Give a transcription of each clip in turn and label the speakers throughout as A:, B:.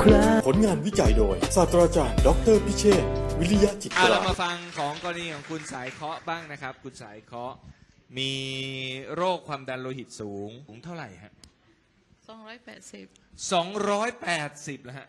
A: ครา
B: ผลงานวิจัยโดยศาสตราจารย์ดออเตอร์พิเชษฐ์วิริยะจิตรา
C: เรามาฟังของกรณีของคุณสายเคาะบ้างนะครับคุณสายเคาะมีโรคความดันโลหิตสูงเท่าไหร่ฮะ
D: 280
C: 280แล้วฮะ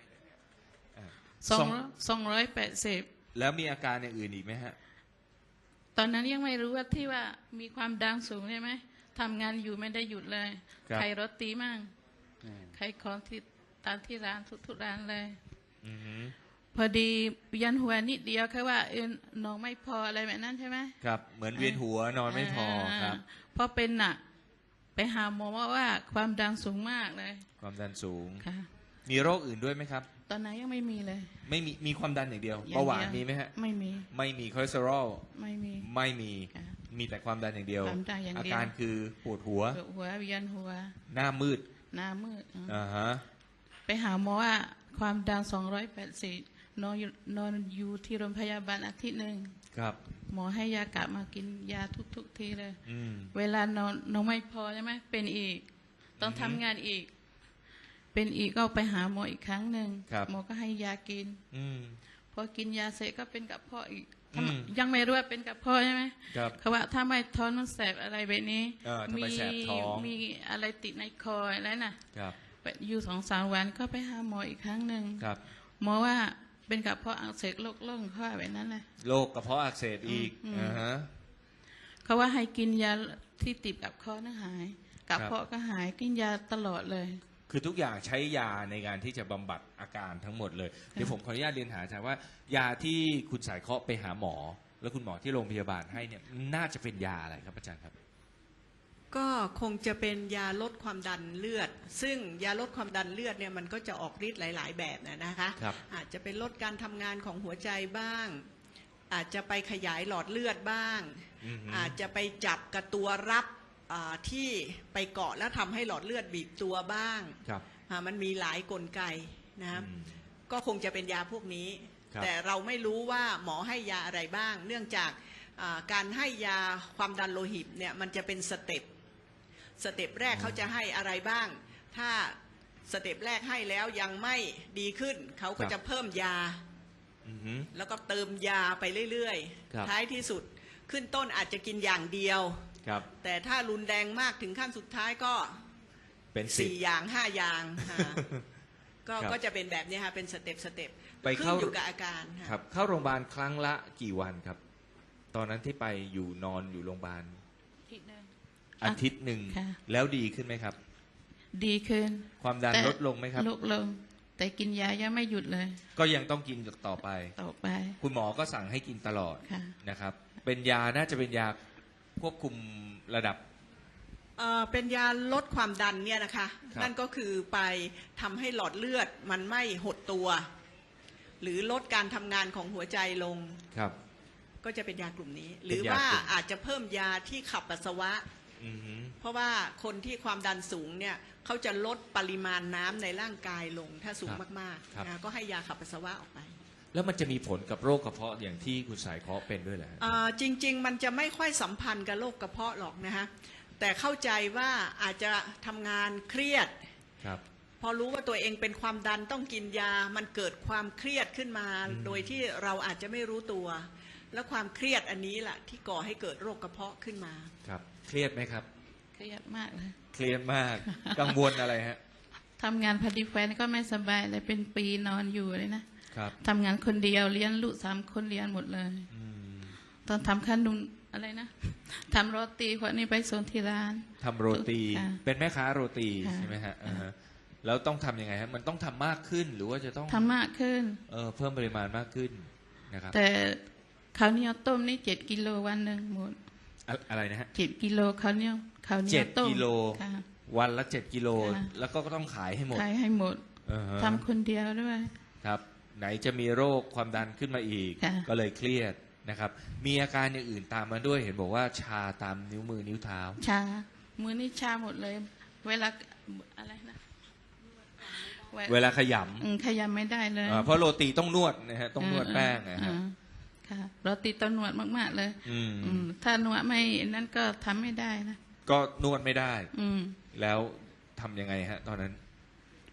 D: 280
C: แล้วมีอาการอย่างอื่นอีกไหมฮะ
D: ตอนนั้นยังไม่รู้ว่าที่ว่ามีความดังสูงใช่ไหมทำงานอยู่ไม่ได้หยุดเลยใครรถตีมั่งใครของที่ตามที่ร้านทุกร้านเลยพอดียันหัวนิดเดียวแค่ว่าน้องไม่พออะไรแบบนั้นใช่ไหม
C: ครับเหมือนเวียนหัวนอนไม่พอครับ
D: พอเป็นหนักไปหาหมอว่าความดังสูงมากเลย
C: ความดันสูง
D: ค่ะ
C: มีโรคอื่นด้วยไหมครับ
D: ตอนนั้นยังไม่มีเลย
C: ไม่มีความดันอย่างเดียวเบาหวานมีไหมฮะ
D: ไม่มี
C: คอเลสเตอรอล
D: ไม่
C: มีมีแต่ความดันอย่างเดียวอาการคือปวดหัว
D: เวียนหัว
C: หน้ามืด
D: ฮะไปหาหมอว่าความดัน280นอนอยู่ที่โรงพยาบาลอาทิตย์หนึ่ง
C: ครับ
D: หมอให้ยากลับมากินยาทุกทีเลยเวลานอนไม่พอใช่ไหมเป็นอีกต้องทำงานอีกเป็นอีกก็ไปหาหมออีกครั้งหนึ่งหมอก็ให้ยากินพอกินยาเสร็จก็เป็นกระเพาะอีกยังไม่รู้ว่าเป็นกระเพาะใช่ไหมเขาว่าถ้าไม่ท้องมันแสบอะไรแบบนี้มีอะไรติดในคออะไรน่ะอยู่2-3 วันก็ไปหาหมออีกครั้งหนึ่งหมอว่าเป็นกระเพาะอักเสบโรคล่องข้อแบบนั้นเลย
C: โรคกระเพาะอักเสบอีก
D: เขาว่าให้กินยาที่ติดกับคอนั่นหายกระเพาะก็หายกินยาตลอดเลย
C: คือทุกอย่างใช้ยาในการที่จะบำบัดอาการทั้งหมดเลยเดี๋ยวผมขออนุญาตเรียนหาอาจารย์ว่ายาที่คุณสายเคาะไปหาหมอแล้วคุณหมอที่โรงพยาบาลให้เนี่ยน่าจะเป็นยาอะไรครับอาจารย์ครับ
E: ก็คงจะเป็นยาลดความดันเลือดซึ่งยาลดความดันเลือดเนี่ยมันก็จะออกฤทธิ์หลายๆแบบนะคะอาจจะเป็นลดการทำงานของหัวใจบ้างอาจจะไปขยายหลอดเลือดบ้างอาจจะไปจับกับตัวรับที่ไปเกาะแล้วทำให้หลอดเลือดบีบตัวบ้างมันมีหลายกลไกนะก็คงจะเป็นยาพวกนี้แต่เราไม่รู้ว่าหมอให้ยาอะไรบ้างเนื่องจากการให้ยาความดันโลหิตเนี่ยมันจะเป็นสเต็ปแรกเขาจะให้อะไรบ้างถ้าสเต็ปแรกให้แล้วยังไม่ดีขึ้นเขาก็จะเพิ่มยาแล้วก็เติมยาไปเรื่อยๆท้ายที่สุดขึ้นต้นอาจจะกินอย่างเดียวแต่ถ้ารุนแรงมากถึงขั้นสุดท้ายก็
C: เป็น
E: 4 อย่าง 5 อย่างก็จะเป็นแบบนี้ค่ะเป็นสเต็ป
C: ไปเข้า
E: อยู่กับอาการ
C: ครับเข้าโรงพยาบาลครั้งละกี่วันครับตอนนั้นที่ไปอยู่นอนอยู่โรงพยาบาลอาทิตย์หนึ่งแล้วดีขึ้นไหมครับ
D: ดีขึ้น
C: ความดันลดลงไหมครับ
D: ลดลงแต่กินยายังไม่หยุดเลย
C: ก็ยังต้องกินต่อไปคุณหมอก็สั่งให้กินตลอดนะครับเป็นยาน่าจะเป็นยาควบคุมระดับ
E: เป็นยาลดความดันเนี่ยนะคะนั่นก็คือไปทำให้หลอดเลือดมันไม่หดตัวหรือลดการทำงานของหัวใจลงก็จะเป็นยากลุ่มนี้หรือว่าอาจจะเพิ่มยาที่ขับปัสสาวะเพราะว่าคนที่ความดันสูงเนี่ยเขาจะลดปริมาณน้ำในร่างกายลงถ้าสูงมากๆนะก็ให้ยาขับปัสสาวะออกไป
C: แล้วมันจะมีผลกับโรคกระเพาะอย่างที่คุณสายเคาะเป็นด้วยเหรอ
E: จริงๆมันจะไม่ค่อยสัมพันธ์กับโรคกระเพาะหรอกนะฮะแต่เข้าใจว่าอาจจะทำงานเครียดพอรู้ว่าตัวเองเป็นความดันต้องกินยามันเกิดความเครียดขึ้นมาโดยที่เราอาจจะไม่รู้ตัวแล้วความเครียดอันนี้แหละที่ก่อให้เกิดโรคกระเพาะขึ้นมา
C: ครับเครียดไหมครับ
D: เครียดมากเลย
C: เครียดมากกังวลอะไรฮะ
D: ทำงานพอดีแฟนก็ไม่สบายเลยเป็นปีนอนอยู่เลยนะครับทำงานคนเดียวเลี้ยงลูก3 คนเลี้ยงหมดเลยตอนทำขนมอะไรนะทำโรตีคนนี้ไปส่งที่ร้าน
C: ทำโรตีเป็นแม่ค้าโรตีใช่ไหมฮะแล้วต้องทำยังไงฮะมันต้องทำมากขึ้นหรือว่าจะต้อง
D: ทำมากขึ้น
C: เพิ่มปริมาณมากขึ้นนะครับ
D: แต่ข้าวเหนียวต้มนี่7 กิโลวันหนึ่งหมด
C: อะไรนะฮะ
D: 7 กิโลข้าวเหนียวต้ม
C: 7 กิโลวันละ7 กิโลแล้วก็ต้องขายให้หมด
D: ทำคนเดียวด้วย
C: ครับไหนจะมีโรคความดันขึ้นมาอีกก็เลยเครียดนะครับมีอาการอย่างอื่นตามมาด้วยเห็นบอกว่าชาตามนิ้วมือนิ้วเท้า
D: ชามือนี่ชาหมดเลยเวลาอะไรนะ
C: เวลาข
D: ยำไม่ได้เลย
C: เพราะโรตีต้องนวดนะฮะต้องนวดแป้งนะฮะ
D: ค่ะโรตีต้องนวดมากๆเลยถ้านวดไม่นั่นก็ทำไม่ได้นะ
C: ก็นวดไม่ได้แล้วทำยังไงฮะตอนนั้น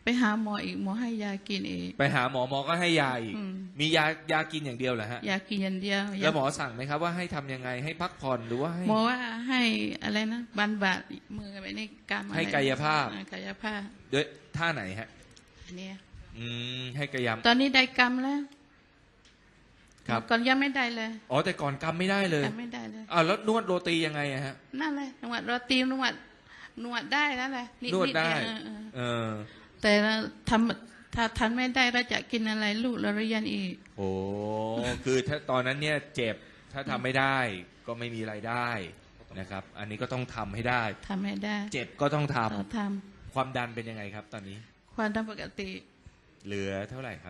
D: ไปหาหมออีกหมอให้ยากินอีก
C: ไปหาหมอหมอก็ให้ยาอีก
D: อืม
C: มียากินอย่างเดียวเหรอฮะ
D: ยากินอย่างเดียว
C: แล้วหมอสั่งไหมครับว่าให้ทำยังไงให้พักผ่อนหรือว่าให้
D: หมอว่าให้อะไรนะบันบาดมือไปในกรรมอะไร
C: ให้กายภาพ
D: กายภาพ
C: ด้วยท่าไหนฮะ
D: เนี่ย
C: ให้กายม
D: ตอนนี้ได้กรรมแล้ว
C: ครับ
D: ก่อนยังไม่ได้เลย
C: อ๋อแต่ก่อนกำไม่ได้เลย
D: กรรมไม่ได้เลย
C: แล้วนวดโรตียังไงอะฮะ
D: นั่นเลยนวดโรตีนวดได้แล้วแหละ
C: นวดได้
D: เออแต่ถ้าทันไม่ได้เราจะกินอะไรลูกเราเรียนอีก
C: โอ้คือถ้าตอนนั้นเนี่ยเจ็บถ้าทำไม่ได้ก็ไม่มีรายได้นะครับ อันนี้ก็ต้องทำให้ได้
D: ทำไม่ได้
C: เจ็บก็ต้องทำ
D: เราท
C: ความดันเป็นยังไงครับ ตอนนี้
D: ำความดันปกติ
C: เหลือเท่าไหร่ครับ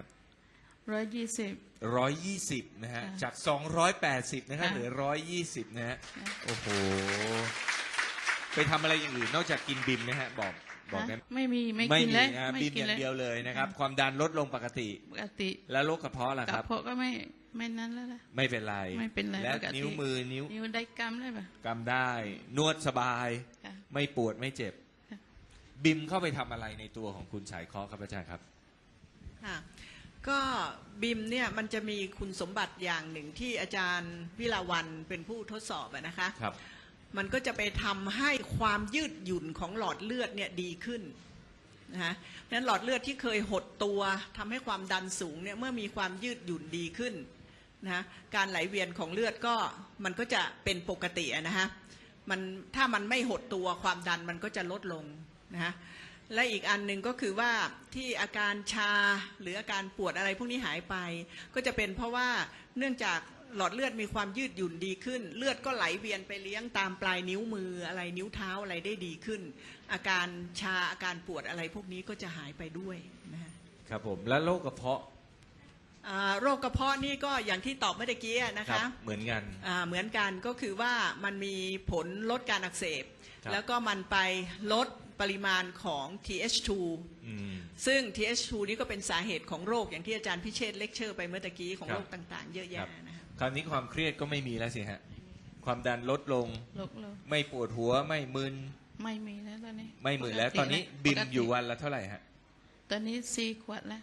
D: 120
C: 120นะฮะ
D: ค่ะ
C: จาก280นะครับ
D: ค่ะ
C: เหลือ120นะฮะ
D: ค่ะ
C: โอ้โหไปทำอะไรอย่างอื่นนอกจากกินบิมนะฮะบอกได้ไหม
D: ไม่มีไม่
C: ไม่
D: กิน
C: มี
D: เลย
C: นะ
D: ไม่
C: บิม
D: กิ
C: อน ย่าง
D: เลย
C: เดียวเลยนะครับ ความดันลดลงปกติ
D: ปกติ
C: แล้วโรคกระเพาะล่ะ
D: ก
C: ค
D: ระ
C: รับ
D: เพาะก็ไม่นั้นแล้วล่ะ
C: ไม่เป็นไร
D: ไม่เป็นไร
C: และ
D: ปกติ
C: นิ้วมือนิ้ว
D: นิ้วได้กรรมได้ปะ
C: กำได้ นวดสบาย
D: ค่ะ
C: ไม่ปวดไม่เจ็บ
D: ค่ะ
C: บิมเข้าไปทำอะไรในตัวของคุณสายเคาะครับอาจารย์ครับ
E: ค่ะก็บิมเนี่ยมันจะมีคุณสมบัติอย่างหนึ่งที่อาจารย์วิลาวันเป็นผู้ทดสอบอะนะคะ
C: ครับ
E: มันก็จะไปทำให้ความยืดหยุ่นของหลอดเลือดเนี่ยดีขึ้นนะคะเพราะฉะนั้นหลอดเลือดที่เคยหดตัวทำให้ความดันสูงเนี่ยเมื่อมีความยืดหยุ่นดีขึ้นนะคะการไหลเวียนของเลือดก็มันก็จะเป็นปกติอะนะคะมันถ้ามันไม่หดตัวความดันมันก็จะลดลงนะคะและอีกอันหนึ่งก็คือว่าที่อาการชาหรืออาการปวดอะไรพวกนี้หายไป ก็จะเป็นเพราะว่าเนื่องจากหลอดเลือดมีความยืดหยุ่นดีขึ้น เลือดก็ไหลเวียนไปเลี้ยงตามปลายนิ้วมืออะไรนิ้วเท้าอะไรได้ดีขึ้น อาการชาอาการปวดอะไรพวกนี้ก็จะหายไปด้วยนะฮะ
C: ครับผมแล้วโรคกระเพาะ
E: โรคกระเพาะนี่ก็อย่างที่ตอบเมื่อกี้นะ
C: ครั
E: คะ
C: เหมือนกัน
E: เหมือนกันก็คือว่ามันมีผลลดการอักเสบ
C: ครับ
E: แล้วก็มันไปลดปริมาณของ TH2
C: อืม
E: ซึ่ง TH2 นี่ก็เป็นสาเหตุของโรคอย่างที่อาจารย์พิเชษฐ์เลคเชอร์ไปเมื่อตะกี้ของ
C: ครับ
E: โรคต่างๆ เยอะ
C: ครั
E: แยะ
C: บ
E: นะฮะ
C: คราวนี้ความเครียดก็ไม่มีแล้วสิฮะความดันลดลง
D: ลกเลย
C: ไม่ปวดหัวไม่มึน
D: ไม่มีแล้วตอนนี้
C: ไม่มึนแล้ว
D: ปก
C: ตอนนี้
D: ะ
C: บิม
D: ปกติ
C: อยู่วันละเท่าไหร่ฮะ
D: ตอนนี้4 ขวดแล้ว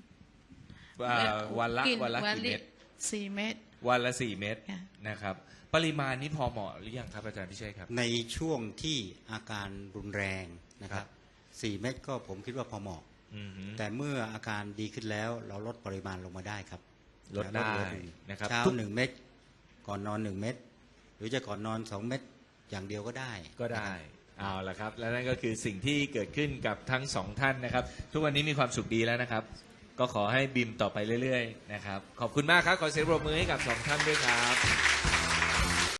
C: วันละ
D: กิน
C: กี่เม็ด
D: 4 เม็ด
C: วันละ4 เม็ด
D: ค่ะ
C: นะครับ ปริมาณนี้พอเหมาะหรือยังครับอาจารย์พิเชษครับ
A: ในช่วงที่อาการรุนแรงนะครับ 4 เม็ดก็ผมคิดว่าพอเหมาะ
C: อืมฮึ
A: แต่เมื่ออาการดีขึ้นแล้วเราลดปริมาณลงมาได้ครับ
C: ลดได้
A: เหลือหง
C: นะครับ
A: เช้า
C: ทุก
A: 1 เม็ดก่อนนอน 1 เม็ดหรือจะก่อนนอน 2 เม็ดอย่างเดียวก็ได้
C: ก็ได้เอาละครับ และนั่นก็คือสิ่งที่เกิดขึ้นกับทั้งสองท่านนะครับ ทุกวันนี้มีความสุขดีแล้วนะครับ ก็ขอให้บิมต่อไปเรื่อยๆนะครับ ขอบคุณมากครับ ขอเสียงปรบมือให้กับสองท่านด้วยครับ